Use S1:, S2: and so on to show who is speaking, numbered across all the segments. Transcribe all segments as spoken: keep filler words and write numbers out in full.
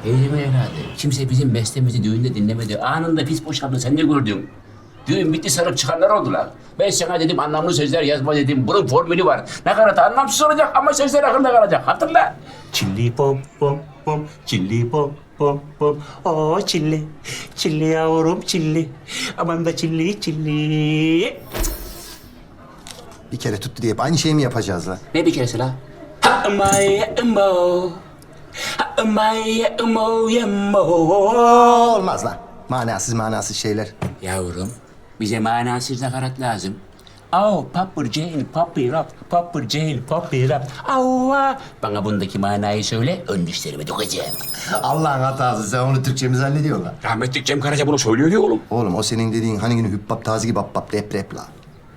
S1: Teyzemin evladı. Kimse bizim bestemizi düğünde dinlemedi. Anında pis boşaldı. Sen ne gördün? Düğün bitti, sarıp çıkanlar oldular. Ben sana dedim anlamlı sözler yazma dedim. Bunun formülü var. Nakarat anlamsız olacak ama sözler akılda kalacak. Hatırla.
S2: Çilli pom pom pom, çilli pom pom pom. Oo çilli, çilli yavrum çilli. Aman da çilli çilli.
S3: Bir kere tuttu diye hep aynı şeyi mi yapacağız la?
S1: Ne bir keresi la? Ha my emo. Ha my emo yemo.
S3: Olmaz lan. Manasız manasız şeyler.
S1: Yavrum, bize manasız nakarat lazım. Au, papır cehil, papır rap, papır cehil, papır rap. Auva. Bana bundaki manayı söyle, ön dişlerime dokacağım.
S3: Allah'ın hatası, sen onu Türkçe mi zannediyorsun lan?
S1: Rahmetli Cem Karaca bunu söylüyor ya oğlum.
S3: Oğlum o senin dediğin hani günü hübbap tazi gibi bap rap rap la.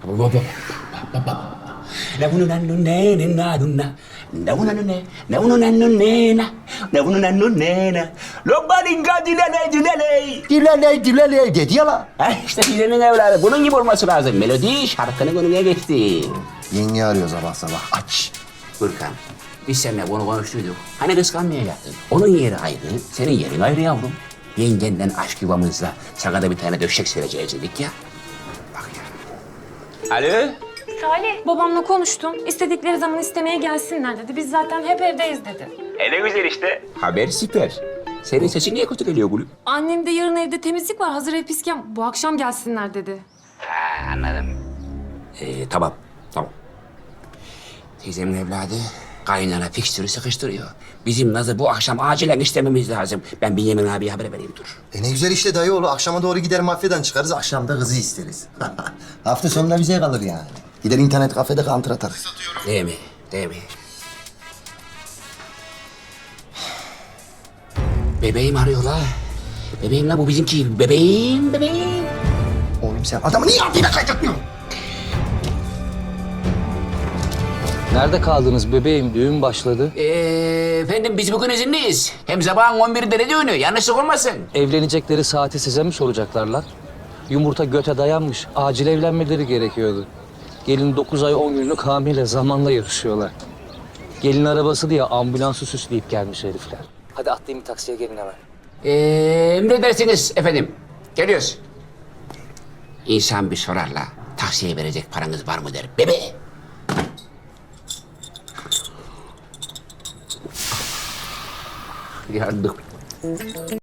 S1: Ne bunu nannu ne ne na dunna. Ne bunu nannu ne, ne bunu nannu ne na. Ne bunu nannu ne na. Lombaringa dilele dilele.
S3: Dilele dilele dedi ya la.
S1: Ha işte dilenin evladı. Bunun gibi olması lazım. Melodi şarkının önüne geçti.
S3: Yenge arıyor sabah sabah. Aç.
S1: Gürkan, biz seninle bunu konuştuyduk. Hani kıskanmayacaktın. Onun yeri ayrı, senin yerin ayrı yavrum. Yengenden aşk yuvamızla sana da bir tane döşek sereceğiz dedik ya. Bak ya. Alo?
S4: Salih. Babamla konuştum. İstedikleri zaman istemeye gelsinler dedi. Biz zaten hep evdeyiz dedi.
S1: E ne güzel işte. Haber süper. Senin sesin niye kötü geliyor gülüm?
S4: Annem de yarın evde temizlik var. Hazır ev pisken bu akşam gelsinler dedi.
S1: Ha, anladım. Ee, tamam, tamam. Teyzemin evladı kaynana fikstürü sıkıştırıyor. Bizim Naz'ı bu akşam acilen istememiz lazım. Ben Bünyamin abiye haber vereyim dur.
S3: E ne güzel işte dayı oğlu. Akşama doğru gider mafyadan çıkarız. Akşamda kızı isteriz. Hafta sonunda bize kalır yani. Gider internet kafede counter atarız.
S1: Değil mi? Değil mi? Bebeğim arıyor la. Bebeğim la bu bizimki. Bebeğim, bebeğim.
S3: Oğlum sen adamı niye altıyla kaydırtmıyorsun?
S5: Nerede kaldınız bebeğim? Düğün başladı.
S1: Ee, efendim biz bugün izinliyiz. Hem sabahın on birinde ne düğünü? Yanlışlık olmasın.
S5: Evlenecekleri saati size mi soracaklar lan? Yumurta göte dayanmış. Acil evlenmeleri gerekiyordu. Gelin dokuz ay on günlük hamile zamanla yarışıyorlar. Gelin arabası diye ambulansı süsleyip gelmiş herifler. Hadi atlayın bir taksiye gelin hemen.
S1: Ee, emredersiniz efendim. Geliyoruz. İnsan bir sorar la. Taksiye verecek paranız var mı der. Bebe. Yandık.